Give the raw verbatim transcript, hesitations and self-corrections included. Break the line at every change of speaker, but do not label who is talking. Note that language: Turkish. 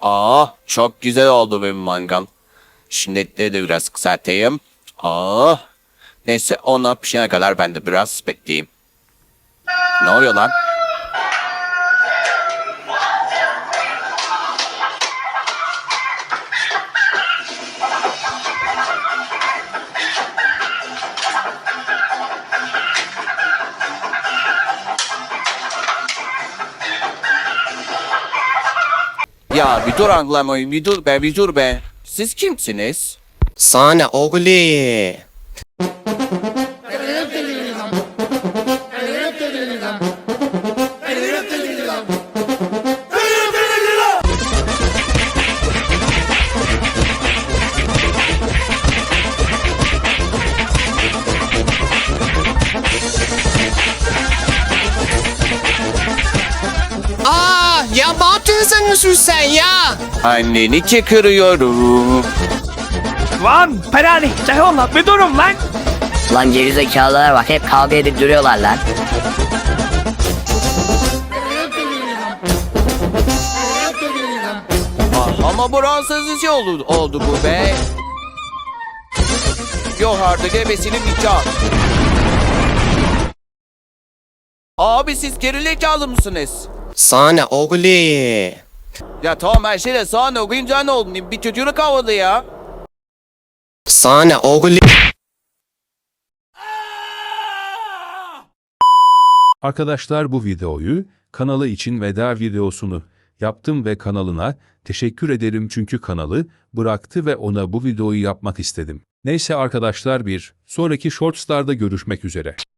Aa, çok güzel oldu benim mangal. Şimdi etleri de biraz kısaltayım. Aa, neyse ona pişene kadar ben de biraz bekleyeyim. Ne oluyor lan? Ya bir dur anlamayın, bir dur be, bir dur be. Siz kimsiniz?
Sana oğlu. Aa, ya ne yapıyorsun sen ya?
Anneni kırıyorum.
Lan Perani, Ceyhun'la bir durun lan.
Lan gerizekalılara bak, hep kavga edip duruyorlar lan.
Ah, ama bu rahatsız şey oldu, oldu bu be. Yok artık ebesinin nikah. Abi siz gerizekalı mısınız?
Sana oğlu.
Ya tamam her şeyle sana okuyunca ne oldu? Bir çocuğunu kavladı ya.
Sana oğlu.
Arkadaşlar bu videoyu kanalı için veda videosunu yaptım ve kanalına teşekkür ederim çünkü kanalı bıraktı ve ona bu videoyu yapmak istedim. Neyse arkadaşlar bir sonraki shortslarda görüşmek üzere.